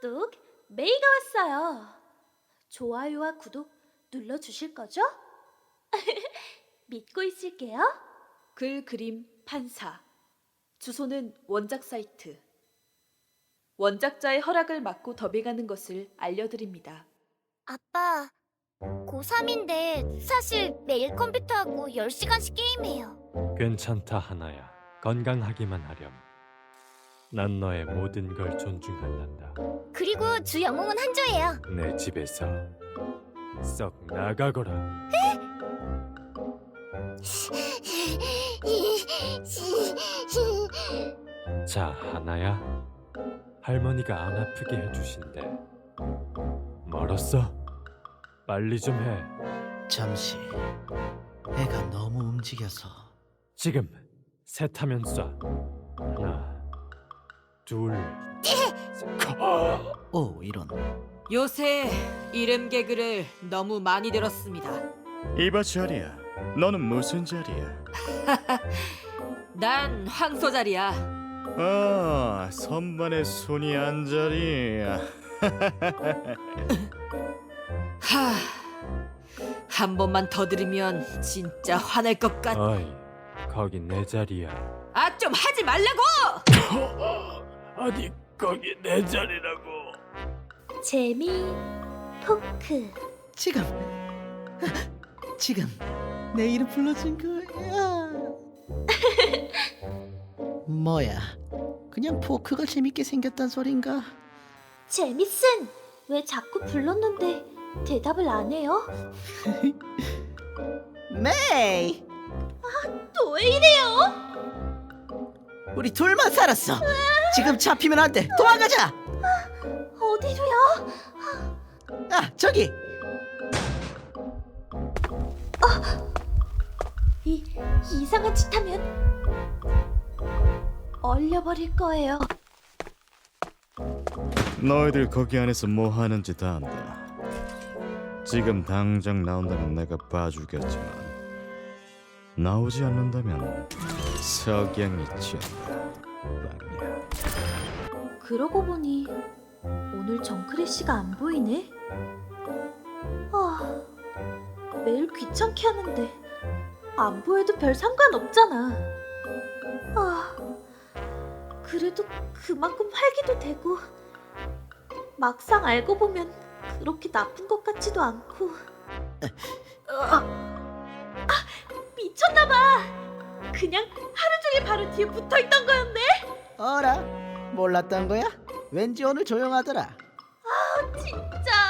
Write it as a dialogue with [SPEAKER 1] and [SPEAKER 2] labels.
[SPEAKER 1] 똑똑 메이가 왔어요. 좋아요와 구독 눌러주실 거죠? 믿고 있을게요.
[SPEAKER 2] 글 그림 판사. 주소는 원작 사이트. 원작자의 허락을 받고 더빙하는 것을 알려드립니다.
[SPEAKER 3] 아빠, 고3인데 사실 매일 컴퓨터하고 10시간씩 게임해요.
[SPEAKER 4] 괜찮다 하나야. 건강하기만 하렴. 난 너의 모든 걸 존중한단다.
[SPEAKER 3] 그리고 주 영웅은 한조예요.
[SPEAKER 4] 내 집에서 썩 나가거라. 자 하나야, 할머니가 안 아프게 해주신대. 멀었어? 빨리 좀 해.
[SPEAKER 5] 잠시 애가 너무 움직여서.
[SPEAKER 4] 지금 셋하면 쏴. 하나, 둘, 셋.
[SPEAKER 5] 오, 이런.
[SPEAKER 6] 요새 이름 개그를 너무 많이 들었습니다.
[SPEAKER 7] 이봐 자리야, 너는 무슨 자리야?
[SPEAKER 6] 난 황소자리야.
[SPEAKER 7] 아, 선반에 손이 안 자리야.
[SPEAKER 6] 한 번만 더 들으면 진짜 화날 것 같.
[SPEAKER 4] 어이, 거기 내 자리야.
[SPEAKER 6] 아, 좀 하지 말라고!
[SPEAKER 4] 아니, 거기 내 자리라고.
[SPEAKER 1] 재미 토크.
[SPEAKER 5] 지금 내 이름 불러준 거야. 뭐야? 그냥 포크가 재밌게 생겼단 소린가?
[SPEAKER 1] 재밌은 왜 자꾸 불렀는데 대답을 안 해요?
[SPEAKER 5] 메이,
[SPEAKER 1] 또 왜 이래요?
[SPEAKER 5] 우리 둘만 살았어. 지금 잡히면 안 돼. 도망가자.
[SPEAKER 1] 어디로요?
[SPEAKER 5] 아, 저기.
[SPEAKER 1] 이상한 짓 하면 얼려버릴 거예요.
[SPEAKER 7] 너희들 거기 안에서 뭐 하는지 다 안다. 지금 당장 나온다면 내가 봐주겠지만 나오지 않는다면 석양이 지었다. 빵야.
[SPEAKER 1] 그러고 보니 오늘 정크래쉬가 안 보이네. 아, 매일 귀찮게 하는데 안 보여도 별 상관없잖아. 아, 그래도 그만큼 활기도 되고 막상 알고 보면 그렇게 나쁜 것 같지도 않고. 미쳤나봐. 그냥 하루 종일 바로 뒤에 붙어있던 거였네.
[SPEAKER 5] 어라? 몰랐던 거야? 왠지 오늘 조용하더라.
[SPEAKER 1] 진짜